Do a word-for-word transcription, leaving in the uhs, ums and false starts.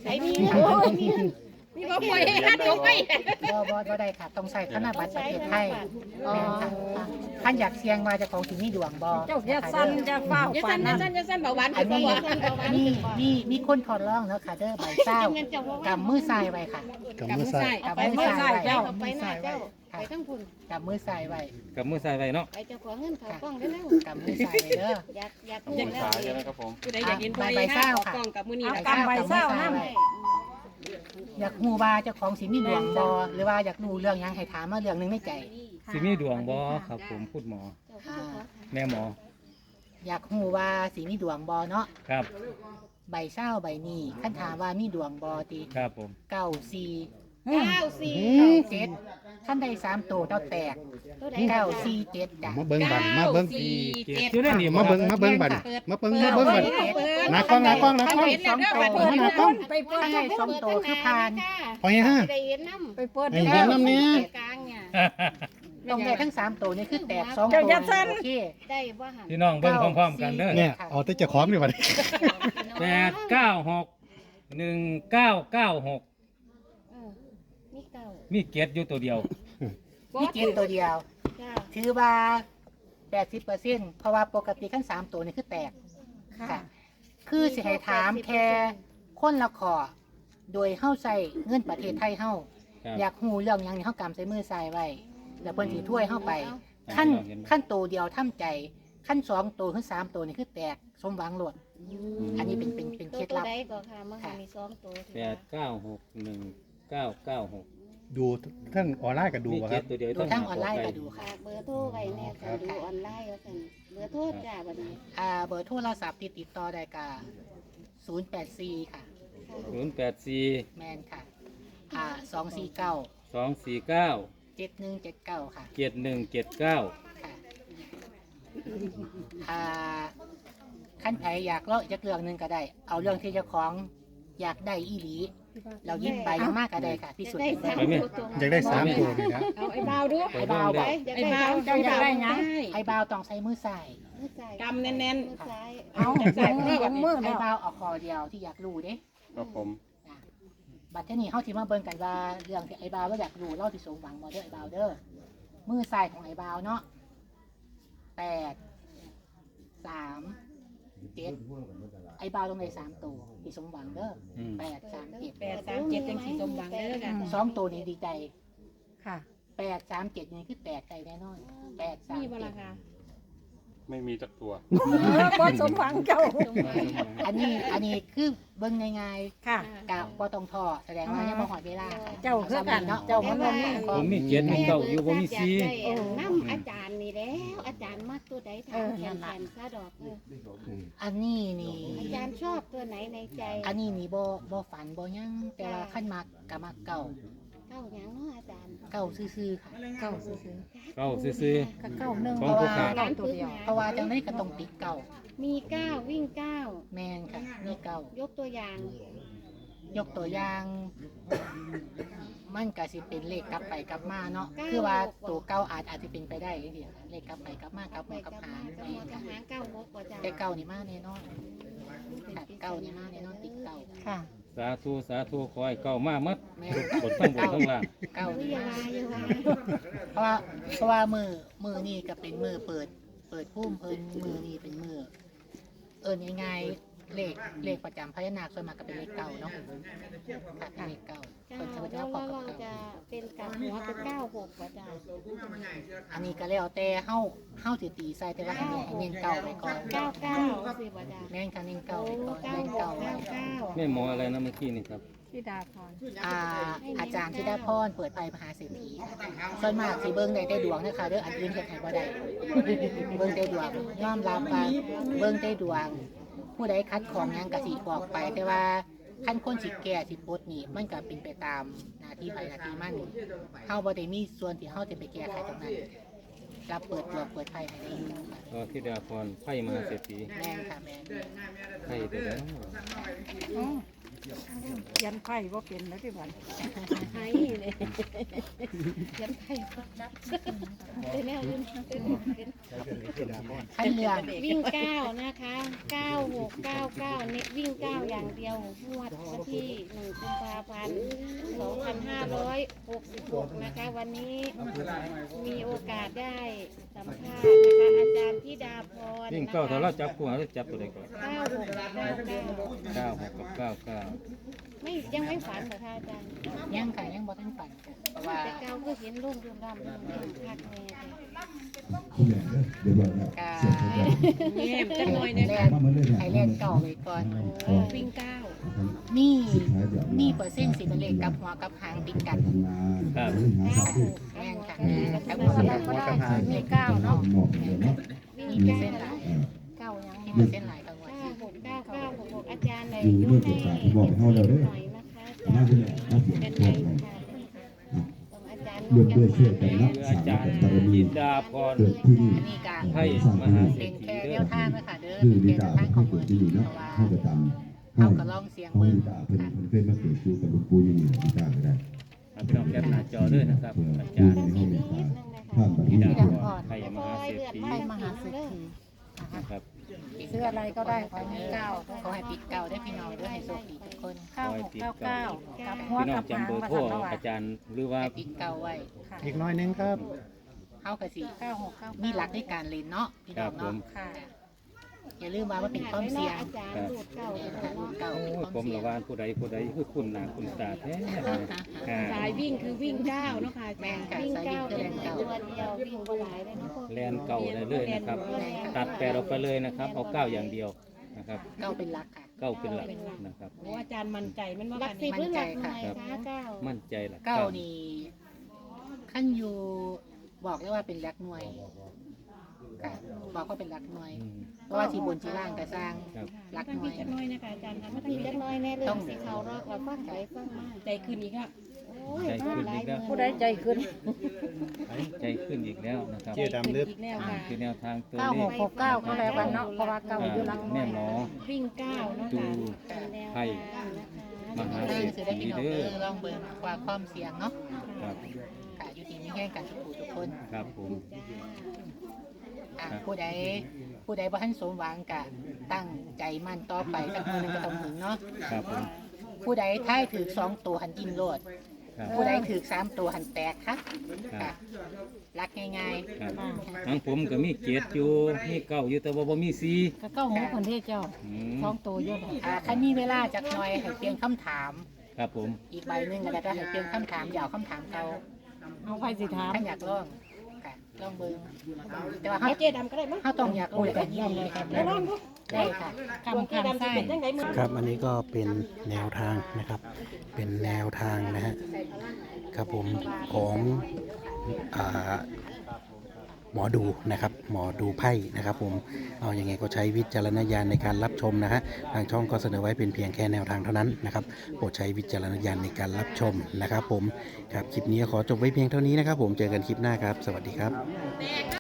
ใส่มีโอ้ยมีมีบ่ปล่อยให้ฮัดลงไปบ่บ่บ่ได้ค่ะต้องใส่ธนบัตรประเทศไทยแม่นค่ะท่านอยากเสี่ยงว่าเจะของสิมีดวงบ่เจ้าอย่าสั่นอย่าเฝ้าอย่าปาสั่นนอย่านั้นสั่นอย่าสั่นเบาหวานอันเบานี้หวานเบาหวานมีมีมีคนทดลองแล้วค่ะเด้อใบเศร้ากำมือซ้ายไว้ค่ะกับมือซ้ายเอาไปมือซ้ายเจ้าไปหน้าเจ้าไปทั้งคุณกำมือซ้ายไว้กับมือใส่ไว้เนาะไปเจ้าของเงินเขากล้องได้แล้วกำมือซ้ายไว้เด้ออยากอยากมือซ้ายใช่ไหมครับผมผู้ใดอยากเห็นไปใบเศร้าออกค่ะกล้องกับมื้อนี้เอานะกำใบเศร้าน้ำอยากฮู้ว่าเจ้าของสิมีดวงบ่หรือว่าอยากรู้เรื่องหยังให้ถามมาเรื่องหนึงในใจสิมีดวงบ่ครับผมพูดหมออ่าแม่หมออยากฮู้ว่าสิมีดวงบ่เนาะครับใบเศร้าใบนี้คันถามว่ามีดวงบ่ติครับผมเก้าสี่เก้าสี่เก้าเจ็ดท่านได้สามตัวเจ้าแตกตัวใดเก้าสี่เจ็ดจ้ะมาเบิ้งบันมาเบิ้งสี่เจ็ดอยู่ในนี่มาเบิ้งมาเบิ้งบันมาเบิ้งมาเบิ้งบันหน้ากล้องหน้ากล้องหน้ากล้องเห็นแล้วเด้อบัดเปินี้ดหน้ากล้องไปเปิดท่านได้สองตัวคือพานพอให้ห้าได้เห็นน้ำไปเปิดให้เห็นน้ำนี้กลางเนี่ยตรงได้ทั้งสามตัวนี่คือแตกสองเจ้าตัวอย่าสั่นโอเคได้ว่าหันพี่น้องเบิ่งพร้อมๆกันเด้อเนี่ยเอาแต่เจ้าของดีกว่าแปดเก้าหกหนึ่งเก้าเก้าหกเออมีเก้ามีเกียรติอยู่ตัวเดียวนี่เกณฑ์ตัวเดียวจ้าถือว่าแปดสิบเปอร์เซ็นต์เพราะว่าปกติขั้นสามตัวนี่คือแตกค่ะ คือสิให้ถามแค่คนละขอโดยเข้าใส่เงินประเทศไทยเฮาครับอยากหูเรื่องหยังนี่เฮากำใส่มือใส่ไว้ แล้วเพิ่นสิถ้วยเฮาไป ขั้นขั้นตัวเดียวทำใจ ขั้นสองตัวขึ้นสามตัวนี่คือแตกสมหวังโลดอันนี้เป็นเป็นเป็นตัเคว ล็ดตัวลับใดก็ค่ะมันก็มีสองตัวแปดเก้าหกหนึ่งเก้าเก้าหกดูทั้งออนไลน์ก็ดูมีบ่คเกียรัรบติตัวเดียวดูทั้งออนไลน์ก็ดูค่ะฝากเบอร์โทรไว้แน่ค่ะดูออนไลน์ว่าซั่นเบอร์โทรจ้าบัดนี้อ่าเบอร์โทรศัพท์ที่ติดต่อได้ก็ศูนย์แปดสี่ค่ะศูนย์แปดสี่แมนค่ะ อ่าสองสี่เก้าสองสี่เก้าเจ็ดหนึ่งเจ็ดเก้าค่ะเจ็ดหนึ่งเจ็ดเก้าค่ะ อ่าขั้นไผอยากเล่าจากเรื่องหนึ่งก็ได้ เอาเรื่องที่เจ้าของอยากได้อีหลี เรายิ้มไปยังมากก็ได้ค่ะที่สุดได้เป็นสามไปตัวตรงอยากได้สามตัวนี่นะเอาไอ้บ่าวดูไอ้บ่าวบอกไอ้บ่าวเจ้าอยากได้หยังไอ้บ่าวต้องใช้มือใส่กำแน่นๆมือซ้ายเอาใส่มือกับมือไอ้แล้วบ่าวเอาคอเดียวที่อยากรู้เด้ครับผมนะบัดเทอนี้เฮาสิมาเบิ่งกันว่าเรื่องที่ไอ้บ่าวเราอยากรู้เราสิสมหวังบ่เด้อไอ้บ่าวเด้อมือใส่ของไอ้บ่าวเนาะแปดสามเจ็ดไอ้บ่าวลงในสามตัวที่สมหวังเด้ออืมแปดสามเจ็ดแปดสามเจ็ดจังสีสมหวังเด้อค่ะสองตัวนี้ดีใจค่ะแปดสามเจ็ดนี่คือแตกใจแน่นอนแปดสามมีบ่เจ็ล่ะดค่ะไม่มีจักตัวเออบ่สมหวังเจ้าอันนี้อันนี้คือเบิ่งง่ายค่ะๆกะบ่ต้องท้อแสดงว่ายังบ่หอดเวลาค่ะเจ้าคือกันเนาะเจ้ามันบ่มีผมมีเกียรติมีเก้าอยู่ผมมีสี่น้ำอาจารย์นี่แล้วอาจารย์มักตัวใดถามแทนแทนซะดอกเอออันนี้นี่อาจารย์ชอบตัวไหนในใจอันนี้นี่บ่บ่ฝันบ่หยังแต่ว่าขั้นมักกะมักเก่าเก้าหยังเนาะอาจารย์เก่าซื่อๆค่ะเก้าซื่อเก้าซื่อๆก็เก้าหนึ่งของผู้ค้าเก้าตัวเดียวเพราะว่าจังได๋ก็ต้องติดเก่ามีเก้าวิ่งเก้าแม่นค่ะมีเก่ายกตัวอย่างยกตัวอย่าง มันก็สิเป็นเลขกลับไปกลับมาเนาะคือว่าตัวเก่าอาจอาจจะเป็นไปได้จังซี่ค่ะเลขกลับไปกลับมากลับไปหัวกลับกับหาหาง กับแม่หัวน กับค่ะหางเก้าหกกว่าจ้าแต่เก่านี่มาแน่นอนค่ะเก่านี่มาแน่นอนติดเก่าค่ะๆสาธุสาธุขอให้เก้ามามัดแม่บนทั้งบนทั้งล่างเก่าเฮ้ยนี่อย่ามาว่าอย่าว่าเพราะว่าเพราะว่ามือมือนี่ก็เป็นมือเปิด เปิดพุ่มเพิ่นมือนี่เป็นมือเอิญง่ายๆเลขเลขประจำพญานาคส่วนมากก็เป็นเลขเก่าเนาะค่ะเป็นเลขเก่าเก้าเพิ่นจะแล้มาว เจ้าขอเรากับจะเก่าเป็นกับหัวเป็นเก้าหกกว่าจ้าอันนี้ก็แล้วแต่เฮาเฮาสิตีใส่แต่ว่าให้เน้นให้เน้นเก่าไว้ก่อนเก้าเก้าสิบ่จ้าแม่นค่ะเน้นเก่าโอ้ไว้ก่อนเก้าเน้นหกเก่าไว้เก้าเก้าแม่หมออะไรนะเมื่อกี้นี่ครับพี่ดาพรอ่าอาจารย์ธิดาพรเปิดไพ่มหาเศรษฐีส่วนมากสิเบิ่งได้แต่ดวงนะคะเด้ออันอื่นเฮ็ดให้บ่ได้เบิ่งแต่ดวงยอมรับว่าเบิ่งแต่ดวง ผู้ใดคัดของหยังก็สิบอกไป แต่ว่าขั้นคนสิแก่สิปลดหนี่มันก็เป็นไปตามหน้าที่ไผหน้าที่มันเฮาบ่ได้มีส่วนที่เฮาจะไปแก้ไขตรงนั้นรับเปิดดวงเปิดไพ่ให้ได้อยู่ค่ะก็ธิดาพรไพ่มหาเศรษฐีแม่นค่ะแม่นไพ่ตัวแล้วอืมเขียนไพ่บ่เป็นแล้วที่บัดไห้เลยยันไข่เป็นแนวยืนขั้นเรื่องวิ่งเก้านะคะเก้าหกเก้าเก้าเน็ตวิ่งเก้าอย่างเดียวงวดวันที่หนึ่งกุมภาพันธ์สองพันห้าร้อยหกสิบหกนะคะวันนี้มีโอกาสได้สัมภาษณ์นะคะอาจารย์ธิดาพรยิ่งเก้าถ้าเราจับคู่เราจับตัวใดก่อนเก้าหกเก้าเก้าเก้าหกกับเก้าเก้าไม่ยังไม่ฝันเหรอคะอาจารย์ยังค่ะยังบ่ทันฝันค่ะเพราะว่าแต่เก้าก็เห็นรุ่งเรืองรำพักแม่กาเงียบจังหน่อยแล่เนี่ยนให้เล่นเก่าไว้ก่อนวิ่งเก้ามีมีเปอร์เซ็นต์สิเป็นเลขกับหัวกับหางติดกันครับแม่นค่ะแล้แล้ว วก็ก็ได้ได้มีเก้าเนาะมีเปอร์เซ็นต์หลายเก้ายังมีเปอร์เซ็นต์หลายกลางวันเก้าหกเก้าเก้าหกหกอาจารย์เลยยกให้หน่อยนะคะอาจารย์เป็นไงค่ะของอาจารย์นุ่งยังมาคืออาจารย์จินดาพรอันนี้การให้มหาเศรเป็ษนฐีแค่เด้แนอวทางนะคะเด้อคือเป็นวิแค่ดาแนวทางขเขาองเกิมืดอที่อยู่เพเนาะราะว่าเขาก็จำเขาก็ลองเสียงเขาเบิ่งวิดาเพิ่นค่ะเพิ่นเคยมาเกิดอยู่กับหลวงปู่อยู่นี่วิดาก็ได้ครับพี่น้องแคปหน้าจอด้วยนะครับเพื่ออาปูจารย์ในห้องมีตาท่านปฏิจินบัดาติพรให้มหาเศรษฐีให้มหาเศรษฐีนะครับซื้ออะไรก็ได้ของเก้าขอให้ปิดเก่าได้พี่น้องเด้อให้โชคดีทุกคนเก้าหกเก้าเก้ากับหัวพี่น้อกังบหางจำเบอร์มาโทรสั่นละอาจารย์หรือว่าให้ปิดเก่าไว้ค่ะอีกน้อยหนึงครับเฮากะสิเก้าหกเก้ามีหลักในการเล่นเนาะพี่น้องครับผเนาะมค่ะอย่าลืมว่ามันเป็นความเสี่ยงอาจารย์ดูดเก้าเลยเนาะเก่าโอ้เป็นยความผมเสี่ยละงวานผู้ใดผู้ใดคือคุณหนาคุณตาแท้อ่าสายวิ่งคือวิ่งเก้าเนาะค่ะอาแม่จารนย์ค่ะวิ่งสายเก้าวิ่งคือเป็นแรงเก่าตัวเดียววิ่งบ่หลายเลยเนาะแลนเก่าได้เลยนะครับ ตัดแปดออกไปเลยนะครับ เอาเก้าอย่างเดียวนะครับเก่าเป็นหลักค่ะเก้าเป็นหลักนะครับโอ้อาจารย์มั่นใจมันว่าหลักสิบหรือหลักหน่วยคะเก้ามั่นใจหลักเก้านี่ขั้นอยู่บอกเลยว่าเป็นหลักหน่วยค่ะบอกว่าเป็นหลักหน่วยอืมเพราะว่าที่บนที่ล่างก็สร้างครับหลักต้องหน่มีวยจักหน้อยนะคะอาจารย์คะมัไม่นต้องมีมีจักหน้อยแน่เลยสิเขารอกเราฟังไปฟังมาใจขึ้นอีกแล้วโอ้ยฟังหลายเงินผู้ใดใจขึ้นใจขึ้นอีกแล้วนะครับเจ๊ดำเลือกอีกแล้วค่ะคือแนวทางตัวเก้าเลหขกหกเก้าก็แล้วกันเนาะเพราะว่าเก้าอยู่หลักหน่แม่วยหมอวิ่งเก้าเนาะดูค่ะเป็นแนวให้ทางนะคะมหาเอเศรอษคือได้ฐีพี่น้องเด้เอออลองเบิ่งว่าความเสี่ยงเนาะครับค่ะอยู่ที่มีแห่งกันทุกผู้ทุกคนครับผมอ่ะผู้ใดผู้ใดบ่ทันสมหวังกะตั้งใจมั่นต่อไปสักมื้อหนึงก็ต้องถึงเนาะครับผมผู้ใดท้ายถือสองตัวหันกินโลดครับผู้ใดถือสามตัวหันแตกค่ะครัค่ะบรักง่ายครับทางผมก็มีเกียรติอยู่มีเก้าอยู่แต่ว่าบ่มีสี่ก็เก้าหกคนที่เจ้าอืมสองตัวเยอะเลยๆอ่าคันมีเวลาจักหน่อยให้เปลี่ยนคำถามครับผมอีกใบหนึงก็ได้ให้เปลี่ยนคำถามอย่าเอาคำถามเก่าเอาไปสิถามถ้าอยากลองค่ะลองเบิ่งแต่ว่าเอาเฮาเจ๊ดำก็ได้มั้งเฮาต้องอยากรู้แบบนี้เลยครับแล้วลองดูได้ค่ะคำคำไส้ครับอันนี้ก็เป็นแนวทางนะครับ เป็นแนวทางนะฮะครับผมของอ่าหมอดูนะครับ หมอดูไพ่นะครับผมเอาอย่างไงก็ใช้วิจารณญาณในการรับชมนะฮะทางช่องก็เสนอไว้เป็นเพียงแค่แนวทางเท่านั้นนะครับโปรดใช้วิจารณญาณในการรับชมนะครับผมครับคลิปนี้ขอจบไว้เพียงเท่านี้นะครับผมเจอกันคลิปหน้าครับ สวัสดีครับ